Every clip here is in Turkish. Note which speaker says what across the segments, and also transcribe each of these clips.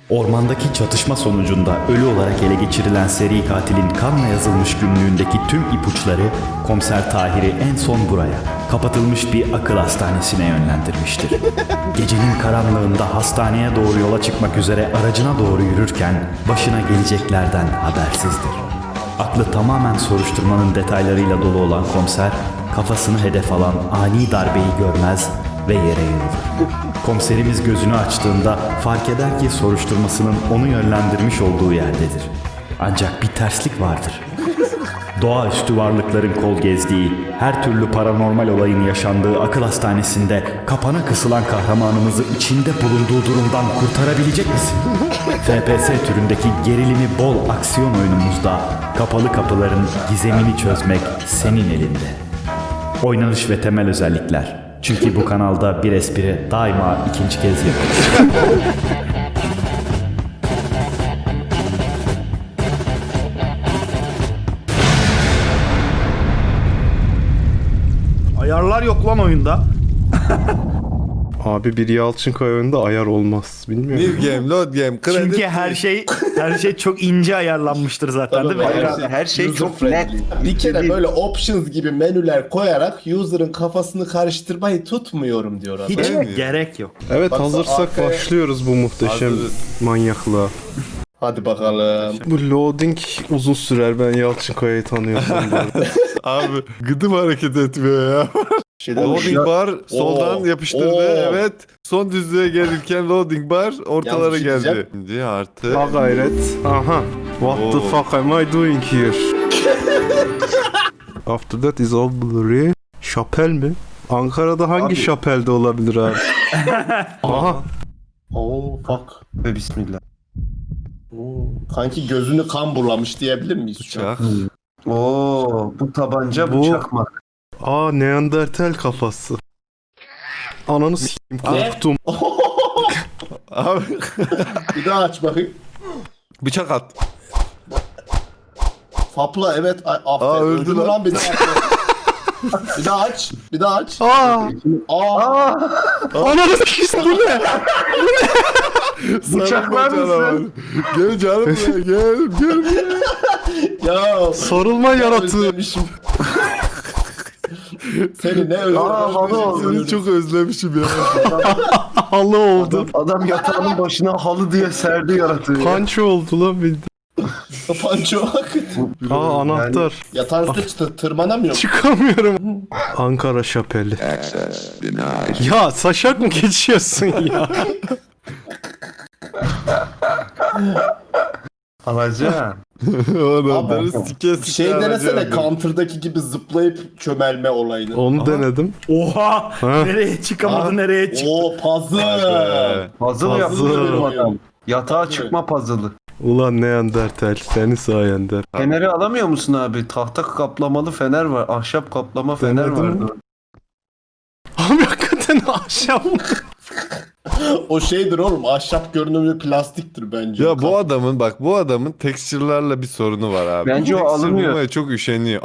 Speaker 1: Ormandaki çatışma sonucunda ölü olarak ele geçirilen seri katilin kanla yazılmış günlüğündeki tüm ipuçları Komiser Tahir'i en son buraya, kapatılmış bir akıl hastanesine yönlendirmiştir. Gecenin karanlığında hastaneye doğru yola çıkmak üzere aracına doğru yürürken başına geleceklerden habersizdir. Aklı tamamen soruşturmanın detaylarıyla dolu olan komiser, kafasını hedef alan ani darbeyi görmez ve yere yığılır. Komiserimiz gözünü açtığında fark eder ki soruşturmasının onu yönlendirmiş olduğu yerdedir. Ancak bir terslik vardır. Doğaüstü varlıkların kol gezdiği, her türlü paranormal olayın yaşandığı akıl hastanesinde kapana kısılan kahramanımızı içinde bulunduğu durumdan kurtarabilecek misin? FPS türündeki gerilimi bol aksiyon oyunumuzda kapalı kapıların gizemini çözmek senin elinde. Oynanış ve temel özellikler. Çünkü bu kanalda bir espri daima ikinci kez yapılır.
Speaker 2: Ayarlar yok lan oyunda.
Speaker 3: Abi bir Yalçınkaya oyunda ayar olmaz. Bilmiyorum.
Speaker 4: New game, load game, kredi.
Speaker 2: Çünkü her şey çok ince ayarlanmıştır zaten değil mi?
Speaker 5: Her şey çok net.
Speaker 6: Bir kere böyle options gibi menüler koyarak user'ın kafasını karıştırmayı tutmuyorum diyor adam.
Speaker 2: Hiç
Speaker 4: Değil mi?
Speaker 2: gerek yok.
Speaker 3: Evet,
Speaker 6: Bak,
Speaker 3: hazırsak
Speaker 6: arkaya-
Speaker 3: başlıyoruz bu muhteşem
Speaker 4: Hazırız.
Speaker 3: manyaklığa.
Speaker 6: Hadi bakalım.
Speaker 3: Bu loading uzun sürer, ben Yalçınkaya'yı tanıyorsam.
Speaker 4: Abi gıdım hareket etmiyor ya. Loading bar soldan
Speaker 6: Oo.
Speaker 4: yapıştırdı.
Speaker 6: Oo.
Speaker 4: Evet. Son düzlüğe gelirken loading bar ortalara
Speaker 6: Yanlış
Speaker 4: geldi.
Speaker 6: diyeceğim.
Speaker 4: Şimdi artı.
Speaker 3: Ha gayret. Aha. What the
Speaker 4: Oo.
Speaker 3: fuck am I doing here? After that is all blurry. Şapel mi? Ankara'da hangi
Speaker 6: Abi.
Speaker 3: şapelde olabilir abi? Aha.
Speaker 6: Oh fuck.
Speaker 5: Ve bismillah.
Speaker 6: Kanki gözünü kan bulamış diyebilir miyiz? şu an?
Speaker 4: Uçak.
Speaker 5: Oo, bu tabanca
Speaker 3: Bu-
Speaker 5: bu çakmak.
Speaker 3: Aa, Neandertal kafası. Ananı s**eyim, korktum.
Speaker 4: Abi
Speaker 6: Bir daha aç bakayım.
Speaker 4: bıçak at.
Speaker 6: Fapla evet. Aferin.
Speaker 4: Aa, öldü
Speaker 6: mü
Speaker 4: lan.
Speaker 6: Bir daha aç. Bir daha aç. Bir daha aç.
Speaker 3: Aa,
Speaker 6: Aa.
Speaker 3: ananı s**eyim, bu ne?
Speaker 5: Bıçaklar mısın?
Speaker 4: Gel canım buraya gel.
Speaker 6: Ya.
Speaker 3: Sarılma yaratığı.
Speaker 6: Özlemişim. Seni ne
Speaker 5: halı oldu.
Speaker 4: Seni çok özlemişim ya.
Speaker 3: Halı oldu.
Speaker 5: Adam yatağının başına halı diye serdi yaratığı.
Speaker 3: Panço oldu lan bildi.
Speaker 6: Panço bak.
Speaker 3: Aa, anahtar.
Speaker 6: Yatağın üstüne tırmanamıyor.
Speaker 3: Çıkamıyorum. Ankara şapeli. Ya saşak mı geçiyorsun ya?
Speaker 5: Alacağım.
Speaker 4: Onları sike sike
Speaker 6: Şey denesene
Speaker 4: alacağım.
Speaker 6: Counter'daki gibi zıplayıp çömelme olayını.
Speaker 3: Onu denedim.
Speaker 2: Oha!
Speaker 3: Ha?
Speaker 2: Nereye çıkamadı,
Speaker 4: Aa.
Speaker 2: nereye çıktı?
Speaker 6: Oo puzzle.
Speaker 5: Puzzle yapmış
Speaker 3: Puzzle.
Speaker 5: benim adam. Yatağa çıkma puzzle'ı.
Speaker 3: Ulan Neandertal, seni sayende.
Speaker 5: Feneri alamıyor musun abi? Tahta kaplamalı fener var. Ahşap kaplama fener
Speaker 3: Denedim.
Speaker 5: vardı.
Speaker 3: Abi hakikaten ahşap mı?
Speaker 6: O şeydir oğlum, ahşap görünümlü plastiktir bence.
Speaker 4: Ya bu adamın texture'larla bir sorunu var abi.
Speaker 5: Bence o
Speaker 4: Texture
Speaker 5: alınıyor.
Speaker 4: bulmaya çok üşeniyor.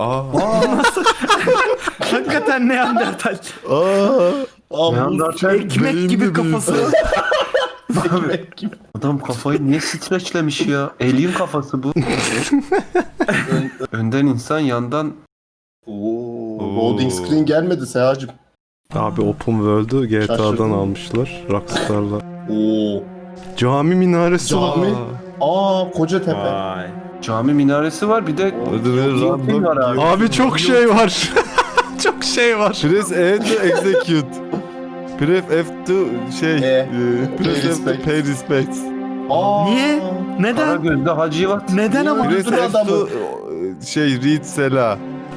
Speaker 2: Hakikaten Neandertal.
Speaker 6: Aa,
Speaker 5: Neandertal
Speaker 2: Ekmek gibi
Speaker 4: beyinde
Speaker 2: kafası.
Speaker 6: ekmek gibi.
Speaker 5: adam kafayı niye streçlemiş ya? Alien kafası bu. Önden insan, yandan
Speaker 6: Oo, loading screen gelmedi Sehacım.
Speaker 3: Abi Open World'u GTA'dan
Speaker 6: Şaşırdım.
Speaker 3: almışlar Rockstar'la.
Speaker 6: Oo.
Speaker 3: Cami minaresi var.
Speaker 6: Cami. Aa, Kocatepe.
Speaker 2: Vay.
Speaker 5: cami minaresi var. Bir de
Speaker 4: Random
Speaker 5: var abi.
Speaker 3: Abi çok şey var. Çok şey var.
Speaker 4: Press E to execute. Press F to press F to
Speaker 6: respect.
Speaker 4: pay respect.
Speaker 6: Aa.
Speaker 2: Niye? Neden?
Speaker 5: Karagöz'de Hacivat.
Speaker 2: Neden ama?
Speaker 6: Niye?
Speaker 4: Press
Speaker 6: Öldür
Speaker 4: F to
Speaker 6: adamı.
Speaker 4: read Sela.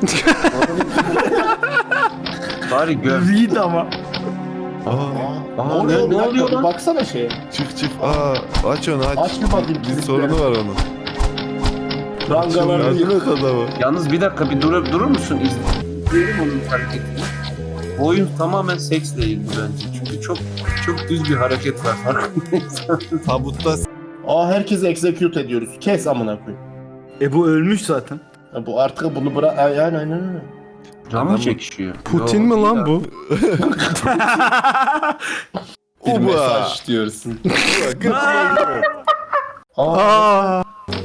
Speaker 5: Bari göv.
Speaker 2: Reed ama.
Speaker 5: Aa,
Speaker 6: Ne oluyor?
Speaker 5: ne oluyor lan?
Speaker 6: Baksana şeye.
Speaker 4: Çık. Aç onu aç.
Speaker 6: Aç bir bakayım.
Speaker 4: Bir
Speaker 6: kilitleri.
Speaker 4: sorunu var onun.
Speaker 6: Rangalarını
Speaker 4: Yardım
Speaker 6: yık.
Speaker 4: et adamı.
Speaker 5: Yalnız bir dakika bir durur musun? İzleyelim onun hareketini. Bu oyun tamamen seksle ilgili bence. Çünkü çok düz bir hareket var. Farkındaysan.
Speaker 4: Tabutta
Speaker 6: Aa, herkesi execute ediyoruz. Kes amına koyayım.
Speaker 2: Bu ölmüş zaten.
Speaker 6: Ya bu artık bunu bırak. Aynen.
Speaker 5: Can mı çekişiyor?
Speaker 3: Putin
Speaker 5: Yok,
Speaker 3: mi lan
Speaker 5: ya.
Speaker 3: bu?
Speaker 6: Bir
Speaker 4: Uba.
Speaker 6: mesaj diyorsun.
Speaker 4: Götüme gidiyor.
Speaker 3: Aa!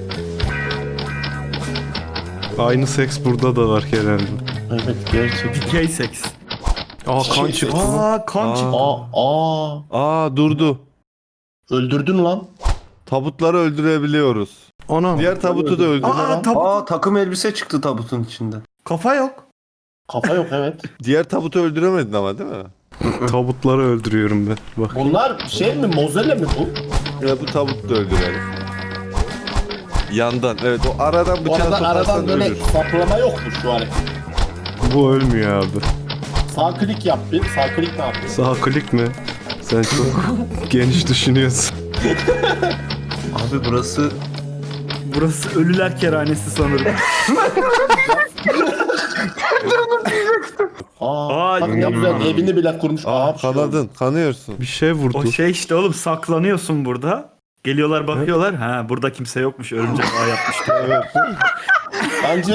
Speaker 3: Aynı seks burada da var Kerem.
Speaker 6: Evet gerçekten.
Speaker 2: Dikey seks.
Speaker 3: Aa kan çıktı.
Speaker 2: Aa kan çıktı.
Speaker 4: Aa durdu.
Speaker 6: Öldürdün lan.
Speaker 4: Tabutları öldürebiliyoruz.
Speaker 3: Anam.
Speaker 4: Diğer tabutu da öldürdü.
Speaker 5: Takım elbise çıktı tabutun içinden.
Speaker 2: Kafa yok.
Speaker 6: Kafa yok evet.
Speaker 4: Diğer tabutu öldüremedin ama değil mi?
Speaker 3: Tabutları öldürüyorum ben. Bak.
Speaker 6: Bunlar şey mi mozele mi bu?
Speaker 4: Ya bu tabutu da öldürelim. Yandan evet o aradan
Speaker 6: Bu
Speaker 4: bıçağı
Speaker 6: arada
Speaker 4: sokarsan
Speaker 6: aradan böyle
Speaker 4: ölür.
Speaker 6: saplama yok mu şu hareket?
Speaker 3: Bu ölmüyor abi.
Speaker 6: Sağ klik yap bir. Sağ klik ne yapıyor?
Speaker 3: Sağ klik mi? Sen çok geniş düşünüyorsun.
Speaker 5: Abi burası
Speaker 2: Burası ölüler kerhanesi sanırım.
Speaker 6: Bak ne güzel evini bile kurmuş.
Speaker 4: Kanadın kanıyorsun.
Speaker 3: Bir şey vurdu.
Speaker 2: O şey işte oğlum saklanıyorsun burada. Geliyorlar bakıyorlar. Ha burada kimse yokmuş. Örümcek ağ yapmış.
Speaker 6: Bence...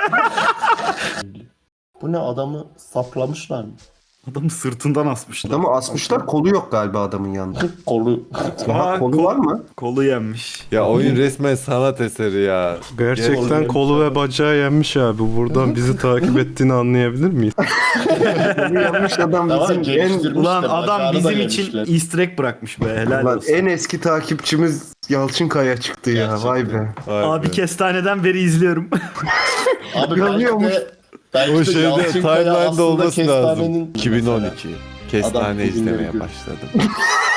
Speaker 6: Bu ne adamı saplamışlar mı?
Speaker 2: Adamı sırtından asmışlar.
Speaker 5: adamı asmışlar, kolu yok galiba adamın yanında.
Speaker 6: Kolu.
Speaker 2: Aa,
Speaker 5: Kolu var mı?
Speaker 2: Kolu yenmiş.
Speaker 4: Ya oyun resmen sanat eseri ya.
Speaker 3: Gerçekten kolu ve bacağı yenmiş abi. Buradan bizi takip ettiğini anlayabilir miyiz?
Speaker 5: Kolu yanmış adam
Speaker 6: Tamam,
Speaker 5: bizim en,
Speaker 6: geliştirmişler,
Speaker 2: Ulan adam
Speaker 6: bacağını da
Speaker 2: bizim için
Speaker 6: yemişler.
Speaker 2: easter egg bırakmış be. Helal
Speaker 5: ulan
Speaker 2: olsun.
Speaker 5: en eski takipçimiz Yalçınkaya çıktı ya.
Speaker 6: Gerçekten.
Speaker 5: Vay be.
Speaker 4: Vay
Speaker 2: Abi
Speaker 4: be.
Speaker 2: kestaneden beri izliyorum.
Speaker 6: Abi
Speaker 5: Yanıyormuş.
Speaker 6: belki
Speaker 4: O
Speaker 6: de
Speaker 4: şeyde
Speaker 6: Yalçınkaya
Speaker 4: timeline'da
Speaker 6: aslında
Speaker 4: olması lazım.
Speaker 6: kestanenin-
Speaker 4: 2012. Kestane
Speaker 6: Adam
Speaker 4: izlemeye
Speaker 6: bugünleri
Speaker 4: başladım.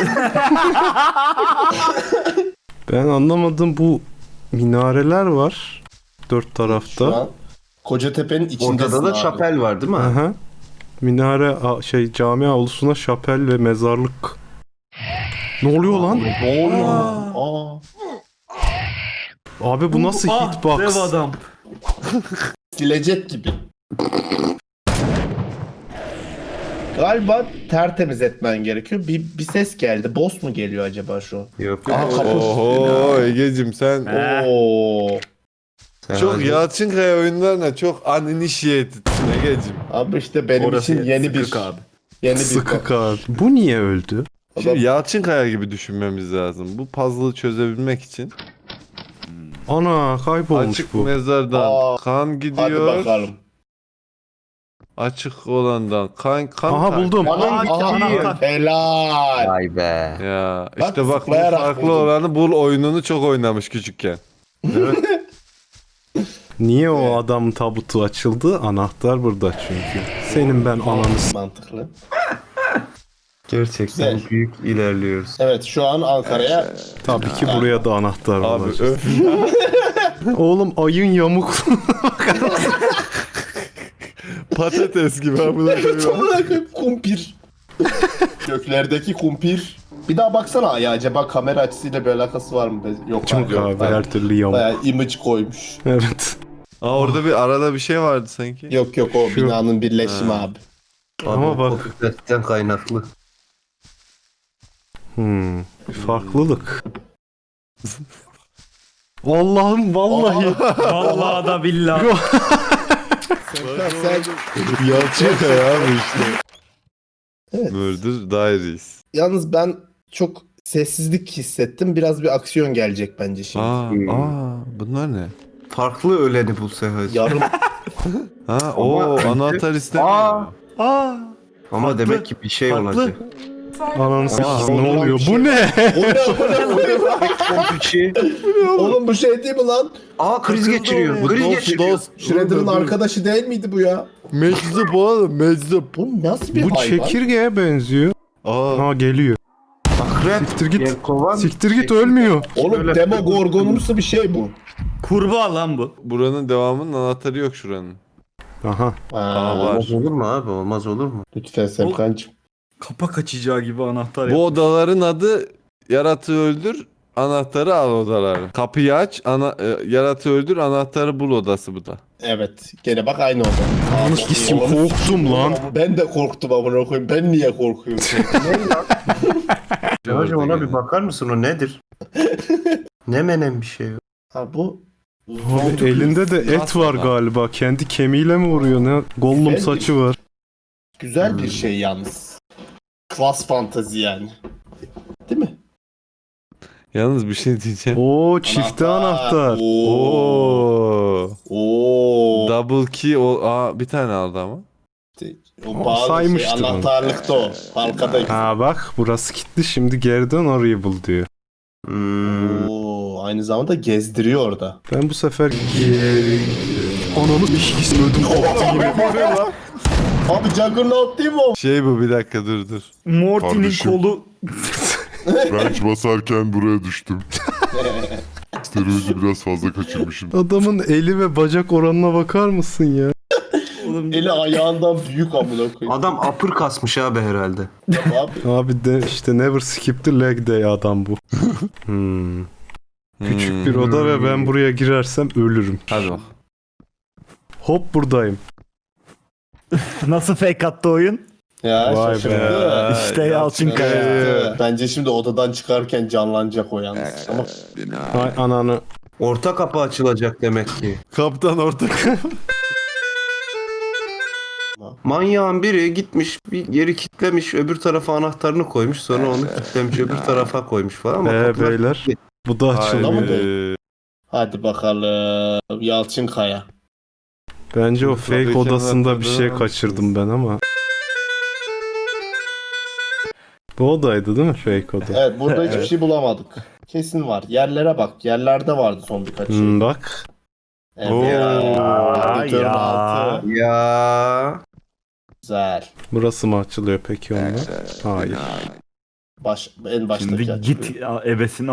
Speaker 3: Ben anlamadım, bu minareler var dört
Speaker 6: Şu
Speaker 3: tarafta.
Speaker 6: an Kocatepe'nin içindesin
Speaker 5: Ortada da
Speaker 6: abi.
Speaker 5: şapel var değil mi?
Speaker 3: Aha. Minare cami avlusuna şapel ve mezarlık. Ne oluyor lan?
Speaker 6: Ne oluyor? Aa.
Speaker 3: Abi bu nasıl
Speaker 2: Ah,
Speaker 3: hitbox?
Speaker 2: dev adam.
Speaker 6: Silecek gibi. Galiba tertemiz etmen gerekiyor. Bir ses geldi. Boss mu geliyor acaba şu an?
Speaker 5: Yok.
Speaker 6: Aa, kapı.
Speaker 4: Oho Egeciğim sen
Speaker 6: Oo.
Speaker 4: çok Yalçınkaya oyunlarına çok uninitiated'sin Egeciğim.
Speaker 6: Abi işte benim
Speaker 2: Orası
Speaker 6: için yeni bir
Speaker 2: sıkık abi.
Speaker 6: yeni bir
Speaker 3: Sıkık abi. Bu niye öldü?
Speaker 4: Şimdi Yalçınkaya gibi düşünmemiz lazım. Bu puzzle'ı çözebilmek için.
Speaker 3: Ana kaybolmuş
Speaker 4: Açık
Speaker 3: bu.
Speaker 4: mezardan
Speaker 6: Aa,
Speaker 4: kan
Speaker 6: Hadi
Speaker 4: gidiyor.
Speaker 6: bakalım.
Speaker 4: Açık olandan kan
Speaker 3: Aha buldum.
Speaker 2: anahtar.
Speaker 6: Helal.
Speaker 5: Vay be.
Speaker 4: Ya
Speaker 6: Bak,
Speaker 4: işte bak bu
Speaker 6: zıplayarak
Speaker 4: farklı
Speaker 6: buldum.
Speaker 4: olanı bul oyununu çok oynamış küçükken.
Speaker 3: Niye o adam tabutu açıldı? Anahtar burada çünkü. Senin ben ananı s-
Speaker 6: Mantıklı.
Speaker 5: Gerçekten
Speaker 6: Güzel.
Speaker 5: büyük ilerliyoruz.
Speaker 6: Evet şu an Ankara'ya
Speaker 3: Tabii ki buraya da anahtar
Speaker 4: Abi
Speaker 3: olacak.
Speaker 4: öf.
Speaker 3: Oğlum ayın yamuk.
Speaker 4: Patates gibi abi.
Speaker 6: kumpir. Göklerdeki kumpir. Bir daha baksana ya acaba kamera açısıyla bir alakası var mı? Yok
Speaker 3: Çok
Speaker 6: yok.
Speaker 3: abi her türlü yamuk.
Speaker 6: Bayağı image koymuş.
Speaker 3: Evet.
Speaker 4: Aa orada bir arada bir şey vardı sanki.
Speaker 6: Yok yok o
Speaker 3: Şu-
Speaker 6: binanın birleşimi abi.
Speaker 3: Ama bak.
Speaker 5: Popülerlikten kaynaklı.
Speaker 3: Farklılık. Allah'ım vallahi.
Speaker 2: Vallahi da billahi.
Speaker 6: Sen
Speaker 4: Yalçınkaya abi işte.
Speaker 6: Evet.
Speaker 4: Murder Diaries.
Speaker 6: yalnız ben çok sessizlik hissettim. Biraz bir aksiyon gelecek bence şimdi.
Speaker 4: Bunlar ne?
Speaker 5: Farklı öleni bul Sehacı.
Speaker 6: Yarım
Speaker 4: Ha o anahtar istemiyor.
Speaker 2: Aa,
Speaker 5: Ama
Speaker 2: farklı,
Speaker 5: demek ki bir şey
Speaker 2: farklı.
Speaker 5: olacak.
Speaker 3: Ananı s- ne
Speaker 6: Aa,
Speaker 3: oluyor?
Speaker 6: şey-
Speaker 3: Bu ne?
Speaker 5: Kompuçi.
Speaker 6: Oğlum bu şey değil mi lan?
Speaker 5: Aa kriz geçiriyor.
Speaker 4: Bu
Speaker 5: Kriz
Speaker 4: dost
Speaker 5: geçiriyor.
Speaker 4: dost.
Speaker 6: Shredder'ın arkadaşı değil miydi bu ya?
Speaker 4: Meczup oğlum meczup.
Speaker 6: Bu nasıl bir
Speaker 3: Bu
Speaker 6: hayvan?
Speaker 3: çekirgeye benziyor. Ha geliyor.
Speaker 5: Akrep.
Speaker 3: Siktir git.
Speaker 5: Yelkovan.
Speaker 3: Siktir git ölmüyor.
Speaker 6: Oğlum Demogorgonumsu bir şey bu.
Speaker 2: Kurbağa lan bu.
Speaker 4: Buranın devamının anahtarı yok şuranın.
Speaker 3: Aha.
Speaker 6: Aa,
Speaker 4: var.
Speaker 5: Olmaz olur mu abi? Olmaz olur mu?
Speaker 6: Lütfen Semkancığım.
Speaker 2: Kapak açacağı gibi anahtar
Speaker 4: Bu
Speaker 2: yap.
Speaker 4: odaların adı yaratığı öldür, anahtarı al odaları. Kapıyı aç, yaratığı öldür, anahtarı bul odası bu da.
Speaker 6: Evet. Gene bak aynı oldu.
Speaker 3: Ananı s**eyim, korktum lan.
Speaker 6: Ben de korktum amına koyayım. Ben niye korkuyorum?
Speaker 5: Sehacı ona bir bakar mısın? O nedir? Ne menen bir şey o?
Speaker 6: Ha bu
Speaker 3: Abi elinde de et var galiba. Kendi kemiğiyle mi vuruyor ne? Gollum
Speaker 6: Efendim?
Speaker 3: saçı var.
Speaker 6: güzel bir şey yalnız. Klas fantazi yani. Değil mi?
Speaker 4: Yalnız bir şey diyeceğim.
Speaker 3: Oo çifte anahtar.
Speaker 4: Oo.
Speaker 6: Oo.
Speaker 4: Double key bir tane aldı ama.
Speaker 6: O bazı
Speaker 3: saymıştır onu.
Speaker 6: anahtarlıkta o. Halkada.
Speaker 3: Ha bak burası kilitli, şimdi geri dön orayı bul diyor.
Speaker 6: Oo, aynı zamanda gezdiriyor orada.
Speaker 3: Ben bu sefer geri... Ananı ikisi ödüm koptu yine.
Speaker 6: Abi Juggernaut değil mi o?
Speaker 4: Şey bu, bir dakika dur.
Speaker 2: Morty'nin
Speaker 7: Kardeşim.
Speaker 2: kolu
Speaker 7: Bench basarken buraya düştüm. Steroidi biraz fazla kaçırmışım.
Speaker 3: Adamın eli ve bacak oranına bakar mısın ya?
Speaker 6: Eli ayağından büyük amına koyayım.
Speaker 5: Adam apır kasmış abi herhalde.
Speaker 6: Abi
Speaker 3: Abi de işte never skip the leg day adam bu. Küçük bir oda ve ben buraya girersem ölürüm.
Speaker 4: Hadi bak.
Speaker 3: Hop buradayım.
Speaker 2: nasıl fake attı oyun?
Speaker 6: ya
Speaker 3: Vay
Speaker 6: şaşırdı.
Speaker 3: be.
Speaker 2: İşte Yalçınkaya.
Speaker 6: Evet. Bence şimdi odadan çıkarken canlanacak o yalnız. Ama
Speaker 3: Ay ananı.
Speaker 5: Orta kapı açılacak demek ki.
Speaker 4: Kaptan ortak.
Speaker 5: Manyağın biri gitmiş bir yeri kitlemiş, öbür tarafa anahtarını koymuş, sonra onu kitlemiş, öbür tarafa koymuş falan ama kapılar
Speaker 3: Beyler bu da açılmıyor.
Speaker 6: Hayır. hadi bakalım Yalçınkaya.
Speaker 3: Bence o fake
Speaker 4: Tabii ki
Speaker 3: odasında bir şey
Speaker 4: anahtarı
Speaker 3: kaçırdım ben ama. Bu odaydı değil mi fake oda?
Speaker 6: Evet burada hiçbir şey bulamadık. Kesin var. Yerlere bak. Yerlerde vardı son birkaç şey.
Speaker 3: Bak.
Speaker 6: Evet.
Speaker 4: Oo.
Speaker 6: Radyatörün
Speaker 2: Ya.
Speaker 6: altı.
Speaker 5: ya
Speaker 6: Güzel.
Speaker 3: Burası mı açılıyor peki onunla? Hayır.
Speaker 6: En baştaki
Speaker 2: Şimdi
Speaker 6: açılıyor.
Speaker 2: git ebesini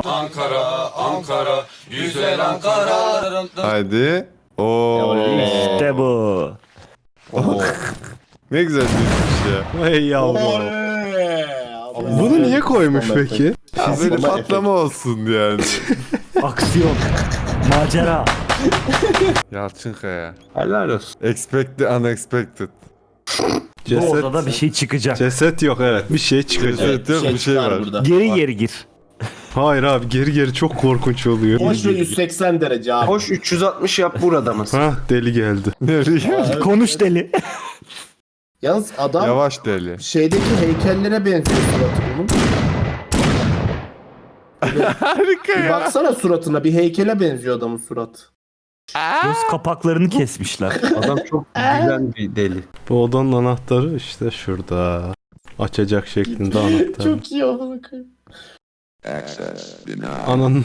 Speaker 4: Haydi. Oo.
Speaker 6: Oley.
Speaker 2: işte bu.
Speaker 6: Oo.
Speaker 4: Ne güzel düşmüş ya.
Speaker 3: Hey yavrum.
Speaker 6: Oley.
Speaker 3: Bunu niye koymuş peki?
Speaker 4: Ya böyle
Speaker 6: Ama
Speaker 4: patlama olsun yani.
Speaker 2: Aksiyon. Macera.
Speaker 4: Yalçınkaya.
Speaker 5: helal olsun.
Speaker 4: Expect the unexpected.
Speaker 2: Bu odada bir şey çıkacak.
Speaker 3: Ceset yok, evet. Bir şey çıkacak.
Speaker 4: Evet, yok, bir şey
Speaker 6: çıkar
Speaker 4: var.
Speaker 6: burada.
Speaker 2: Geri
Speaker 6: Bak.
Speaker 2: geri gir.
Speaker 3: Hayır abi, geri çok korkunç oluyor.
Speaker 6: Hoş ve 180 derece abi.
Speaker 5: Hoş 360 yap burada mısın?
Speaker 3: Ha deli geldi.
Speaker 4: Nereye?
Speaker 2: Konuş deli.
Speaker 6: Yalnız adam
Speaker 4: Yavaş deli.
Speaker 6: şeydeki heykellere benziyor suratı bunun.
Speaker 4: Harika
Speaker 6: Bir baksana suratına, bir heykele benziyor adamın suratı.
Speaker 2: Göz kapaklarını kesmişler.
Speaker 5: Adam çok güzel bir deli.
Speaker 3: Bu odanın anahtarı işte şurada. Açacak şeklinde anahtar.
Speaker 6: Çok iyi amına koyayım.
Speaker 3: Ananın...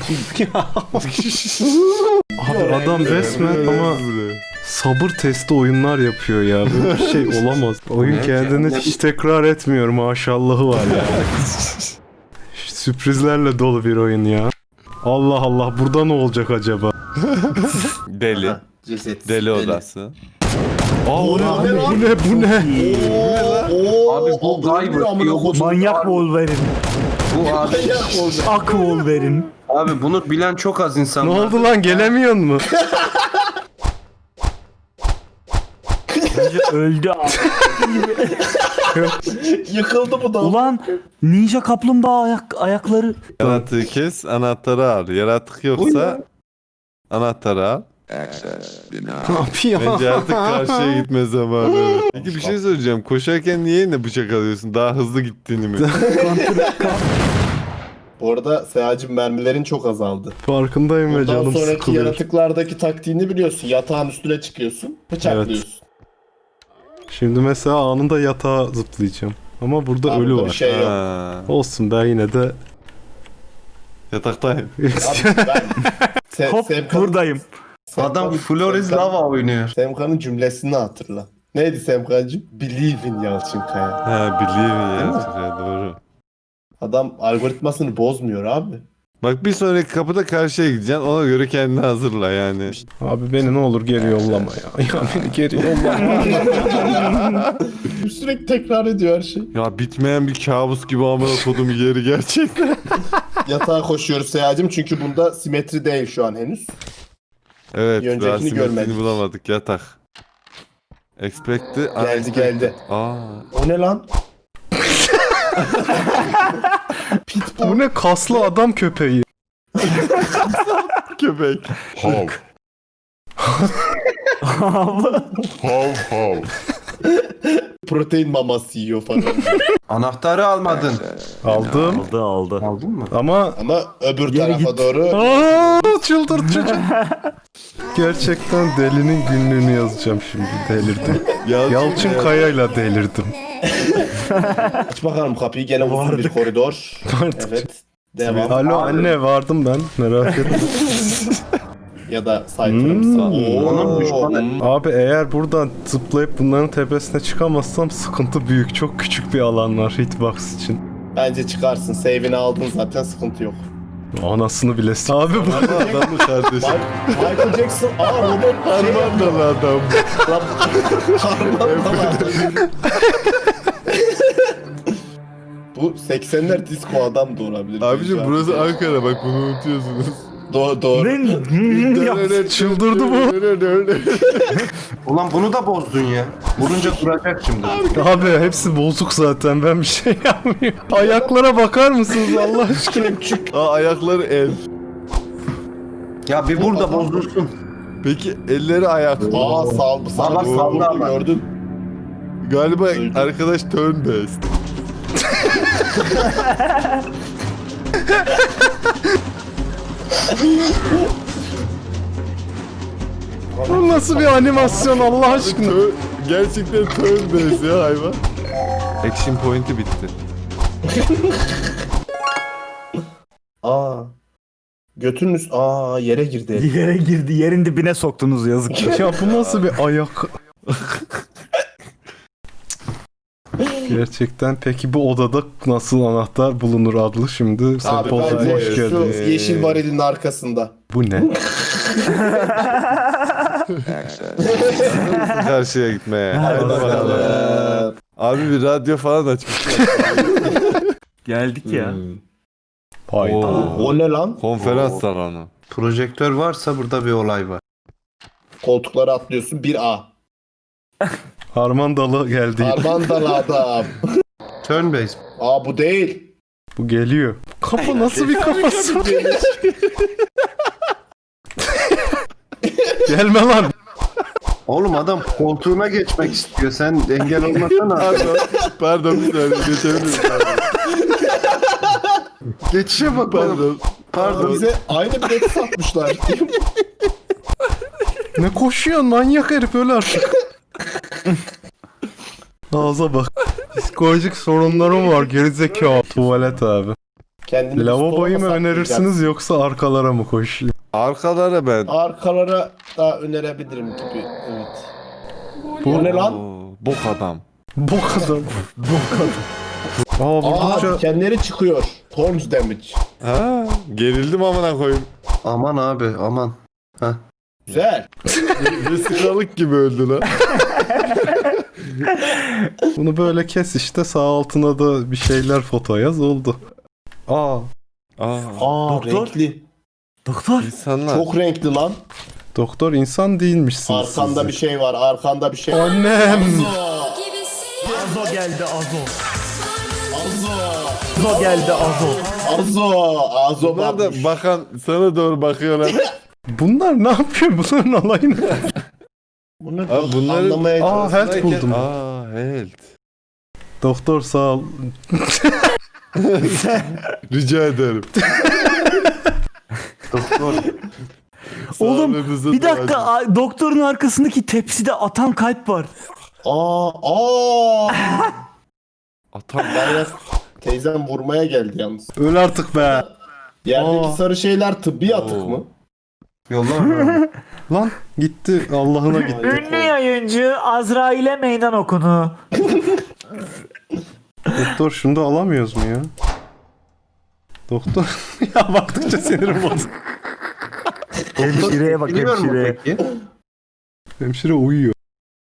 Speaker 3: Abi adam resmen ama sabır testi oyunlar yapıyor ya. Böyle bir şey olamaz. Oyun kendini hiç tekrar etmiyor, maşallahı var ya. Sürprizlerle dolu bir oyun ya. Allah Allah, burada ne olacak acaba?
Speaker 4: Deli.
Speaker 6: Aha, ceset.
Speaker 4: Deli odası.
Speaker 3: Bu ne?
Speaker 5: Abi bu Guyver diyor,
Speaker 2: Manyak Wolverine.
Speaker 5: bu abi.
Speaker 2: Ak Wolverine.
Speaker 5: Abi bunu bilen çok az insan
Speaker 3: Ne
Speaker 5: var.
Speaker 3: oldu lan, gelemiyor mu?
Speaker 2: Bence öldü abi.
Speaker 6: Yıkıldı bu da.
Speaker 2: Ulan ninja kaplumbağa ayakları.
Speaker 4: Yaratığı kes, anahtarı al. Yaratık yoksa anahtarı al.
Speaker 3: Ne yapıyor?
Speaker 4: Bence artık karşıya gitme zamanı. Peki bir şey söyleyeceğim. Koşarken niye yine bıçak alıyorsun? Daha hızlı gittiğini mi?
Speaker 6: Bu arada Seyacım mermilerin çok azaldı.
Speaker 3: Farkındayım ve
Speaker 6: Bundan
Speaker 3: canım
Speaker 6: sonraki
Speaker 3: sıkılıyor.
Speaker 6: yaratıklardaki taktiğini biliyorsun. Yatağın üstüne çıkıyorsun. Bıçaklıyorsun.
Speaker 3: Şimdi mesela anında yatağa zıplayacağım. Ama burada
Speaker 6: Abi
Speaker 3: ölü
Speaker 6: burada bir
Speaker 3: var.
Speaker 6: şey yok.
Speaker 4: Ha,
Speaker 3: Olsun, ben yine de...
Speaker 4: yataktayım.
Speaker 6: Abi ben...
Speaker 2: Hop buradayım.
Speaker 5: Adam Flores Lava oynuyor.
Speaker 6: Semkan'ın cümlesini hatırla. Neydi Semkan'cığım? Believe in Yalçınkaya.
Speaker 4: Ha, biliyorum ya. Doğru.
Speaker 6: Adam algoritmasını bozmuyor abi.
Speaker 4: Bak bir sonraki kapıda karşıya gideceksin. Ona göre kendini hazırla yani.
Speaker 3: Abi beni ne olur geri yollama ya. Ya beni geri yollama.
Speaker 6: Sürekli tekrar ediyor her şey.
Speaker 4: Ya bitmeyen bir kabus gibi amına kodum yeri gerçekten.
Speaker 6: Yatağa koşuyoruz Seyacım çünkü bunda simetri değil şu an henüz.
Speaker 4: Evet,
Speaker 6: Bir öncekini
Speaker 4: daha simetrini
Speaker 6: görmedik.
Speaker 4: bulamadık. Yatak. Expect'i
Speaker 6: Geldi.
Speaker 4: Aa.
Speaker 6: O ne lan?
Speaker 3: Bu ne kaslı adam köpeği.
Speaker 4: Köpek.
Speaker 7: Hav. Hav hav.
Speaker 6: Protein maması yiyor falan.
Speaker 5: Anahtarı almadın.
Speaker 3: Aldım
Speaker 2: Aldı.
Speaker 5: Aldın mı?
Speaker 3: ama
Speaker 6: Ama öbür
Speaker 2: Geri
Speaker 6: tarafa
Speaker 2: git.
Speaker 6: doğru
Speaker 3: çıldırt çocuk. Gerçekten delinin günlüğünü yazacağım şimdi. Delirdim. Yalçın Kaya'yla delirdim.
Speaker 6: aç bakalım kapıyı, gene uzun bir koridor.
Speaker 3: Vardık.
Speaker 6: Evet. Devam.
Speaker 3: Alo anne vardım ben merak etme.
Speaker 6: Ya da sayfırımsa.
Speaker 5: Onun düşmanı.
Speaker 3: Abi eğer buradan zıplayıp bunların tepesine çıkamazsam sıkıntı büyük. Çok küçük bir alan var hitbox için.
Speaker 6: Bence çıkarsın. Save'ini aldın zaten, sıkıntı yok.
Speaker 3: Anasını bile Abi bu
Speaker 4: Adamı kardeşim.
Speaker 6: Michael Jackson, robot
Speaker 4: Harmandalı adam.
Speaker 6: Bu 80'ler disco adam da olabilir.
Speaker 4: Abicim burası Ankara, bak bunu unutuyorsunuz.
Speaker 6: Doğru.
Speaker 3: çıldırdı bu.
Speaker 5: Ulan bunu da bozdun ya. Vurunca duracak şimdi.
Speaker 3: Abi hepsi bozuk zaten ben bir şey yapmıyorum. Ayaklara bakar mısınız Allah aşkına?
Speaker 4: Aa, ayakları el.
Speaker 5: Ya bir vur da bozdursun.
Speaker 4: Peki elleri ayak.
Speaker 6: Aa
Speaker 5: Baba
Speaker 6: saldı
Speaker 5: saldı ama.
Speaker 6: gördün.
Speaker 4: Galiba arkadaş turn based.
Speaker 3: Bu nasıl bir animasyon Allah aşkına?
Speaker 4: Gerçekten turn based ya hayvan. Action point'i bitti.
Speaker 6: Götünün üst... yere girdi.
Speaker 2: Yere girdi. Yerin dibine soktunuz yazık.
Speaker 3: Ya bu nasıl bir ayak? Gerçekten peki bu odada nasıl anahtar bulunur adlı şimdi sen
Speaker 6: Abi
Speaker 3: Paul'cum
Speaker 6: bence
Speaker 3: hoş
Speaker 6: şu
Speaker 3: geldin.
Speaker 6: yeşil varilin arkasında.
Speaker 3: Bu ne?
Speaker 4: Karşıya gitmeye. Hadi bakalım. Abi bir radyo falan açmış.
Speaker 2: Geldik ya.
Speaker 3: Hayda.
Speaker 6: O ne lan?
Speaker 4: Konferans salonu.
Speaker 5: Projektör varsa burada bir olay var.
Speaker 6: Koltuklara atlıyorsun 1A.
Speaker 3: Harman dalı geldi.
Speaker 6: Armandalı adam.
Speaker 5: Turn base.
Speaker 6: Bu değil.
Speaker 3: Bu geliyor. Kafa nasıl bir kafası? Gelme lan.
Speaker 5: Oğlum adam koltuğuna geçmek istiyor. Sen engel olmasana.
Speaker 4: Pardon bir saniye geçebilir miyim?
Speaker 5: Geçişe bak oğlum.
Speaker 4: Pardon.
Speaker 6: Bize aynı bileti satmışlar.
Speaker 3: Ne koşuyorsun manyak herif öyle artık. Ağza bak. Psikolojik sorunlarım var gerizekalı. Tuvalet abi.
Speaker 6: Kendini
Speaker 3: Lavaboyu mu
Speaker 6: stoğuna
Speaker 3: önerirsiniz yoksa arkalara mı koşayım?
Speaker 4: Arkalara ben.
Speaker 6: Arkalara da önerebilirim gibi. Evet.
Speaker 3: Bu
Speaker 6: O ne lan?
Speaker 4: Bok adam.
Speaker 3: bok adam. Vurdukça
Speaker 6: Dikenleri çıkıyor. Thorns damage.
Speaker 4: Ha, gerildim amına koyayım.
Speaker 5: Aman abi aman.
Speaker 6: Güzel.
Speaker 4: Vesikalık gibi öldü lan.
Speaker 3: bunu böyle kes işte sağ altına da bir şeyler foto yaz oldu. Aa
Speaker 2: Doktor?
Speaker 6: Renkli.
Speaker 2: Doktor.
Speaker 4: İnsanlar.
Speaker 6: Çok renkli lan.
Speaker 3: doktor insan değilmişsiniz
Speaker 6: Arkanda
Speaker 3: siz.
Speaker 6: bir şey var. Arkanda bir şey var.
Speaker 3: Annem.
Speaker 2: Azo geldi Azo.
Speaker 6: Azo.
Speaker 2: Azo geldi Azo.
Speaker 6: Azo
Speaker 4: Bunlar da
Speaker 6: bakmış.
Speaker 4: bakan sana doğru bakıyorlar.
Speaker 3: Bunlar ne yapıyor? Bunların olayı ne?
Speaker 6: Bunu
Speaker 4: Abi bunları-
Speaker 6: anlamaya
Speaker 3: Aa
Speaker 6: çalışıyorum.
Speaker 3: health buldum.
Speaker 4: Aa, health.
Speaker 3: Doktor sağ ol.
Speaker 4: Rica ederim.
Speaker 5: Doktor.
Speaker 2: Oğlum
Speaker 4: Sağlığınızı
Speaker 2: bir dakika
Speaker 4: duacım.
Speaker 2: doktorun arkasındaki tepside atan kalp var.
Speaker 4: Atam.
Speaker 6: Ben teyzem vurmaya geldi yalnız.
Speaker 3: Öl artık be.
Speaker 6: Yerdeki
Speaker 3: Aa.
Speaker 6: sarı şeyler tıbbi atık mı?
Speaker 5: Yollar.
Speaker 3: Lan gitti Allah'ına gitti.
Speaker 2: Ünlü yayıncı Azrail'e meydan okunu.
Speaker 3: Doktor şunu da alamıyoruz mu ya? Doktor ya baktıkça sinirim bozuldu.
Speaker 2: Hemşireye bak
Speaker 5: Biliyor mu
Speaker 2: hemşireye.
Speaker 5: peki?
Speaker 3: Hemşire uyuyor.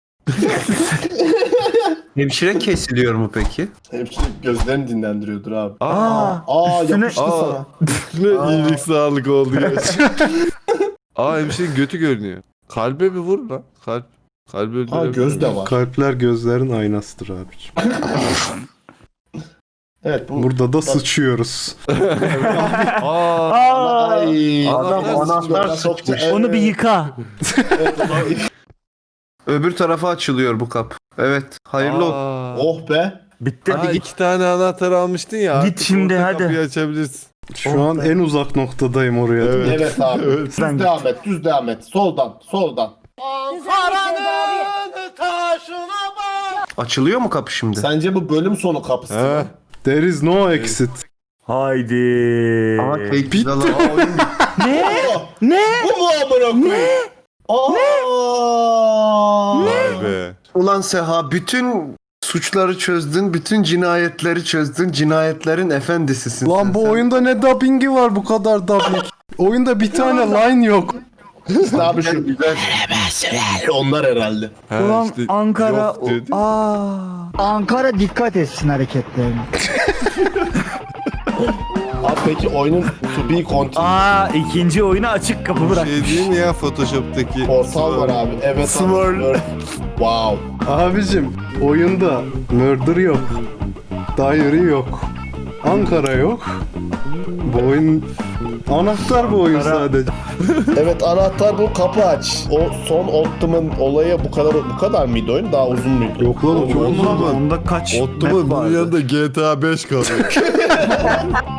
Speaker 5: Hemşire kesiliyor mu peki?
Speaker 6: Hemşire gözlerini dinlendiriyordur abi.
Speaker 2: Üstüne-
Speaker 6: Yapıştı
Speaker 4: Aa.
Speaker 6: sana.
Speaker 4: Ne iyilik sağlık oldu gerçekten. Hemşirenin götü görünüyor. Kalbe bir vur lan. Kalbi öldürebilir.
Speaker 6: Göz de var.
Speaker 3: Kalpler gözlerin aynasıdır abiciğim.
Speaker 6: Evet bu.
Speaker 3: Burada da sıçıyoruz.
Speaker 4: Aa,
Speaker 6: Ay,
Speaker 5: Adam anahtar
Speaker 6: soktu.
Speaker 5: sıçmış.
Speaker 2: Onu bir yıka.
Speaker 5: Öbür tarafa açılıyor bu kap.
Speaker 3: Evet. Hayırlı olsun.
Speaker 4: Aa.
Speaker 6: Oh be.
Speaker 2: Bitti.
Speaker 4: Aa,
Speaker 2: Hadi git.
Speaker 4: 2 tane anahtar almıştın ya.
Speaker 2: Git
Speaker 4: artık
Speaker 2: şimdi,
Speaker 4: orta
Speaker 2: hadi.
Speaker 4: Kapıyı açabilirsin.
Speaker 3: Şu an en uzak noktadayım oraya.
Speaker 6: Evet abi. Düz
Speaker 2: Sen
Speaker 6: devam et. Düz devam et. Soldan. Soldan.
Speaker 3: Açılıyor mu kapı şimdi?
Speaker 6: Sence bu bölüm sonu kapısı
Speaker 4: He.
Speaker 6: mı?
Speaker 3: There is no exit.
Speaker 2: Haydi.
Speaker 3: Bitti.
Speaker 2: Ne?
Speaker 6: Bu mu amına koyayım? Aa!
Speaker 4: Vay be.
Speaker 3: Ulan Seha bütün suçları çözdün, bütün cinayetleri çözdün, cinayetlerin efendisisin. Lan bu oyunda ne dubbingi var bu kadar dubbing? Oyunda bir tane line yok.
Speaker 6: İşte abi şu onlar herhalde.
Speaker 4: Ha,
Speaker 2: Ulan
Speaker 4: işte
Speaker 2: Ankara.
Speaker 4: yok dedi.
Speaker 8: Ankara dikkat etsin hareketlerine.
Speaker 6: Abi peki oyunun to be continued
Speaker 2: İkinci oyuna açık kapı bırak.
Speaker 4: Şey değil mi ya Photoshop'taki?
Speaker 6: portal var abi. Evet
Speaker 2: Swirl.
Speaker 6: abi. Wow.
Speaker 3: Abicim oyunda murder yok. Diary yok. Ankara yok. Bu oyun anahtar bu oyun sadece.
Speaker 6: Evet anahtar bu, kapı aç. O son Optimum olayı bu kadar mıydı oyun? Daha uzun muydu?
Speaker 3: Yok lan o çok uzun.
Speaker 2: Onda kaç
Speaker 4: Ottoman
Speaker 2: map
Speaker 4: bunun
Speaker 2: vardı?
Speaker 4: yanında GTA 5 kalıyor.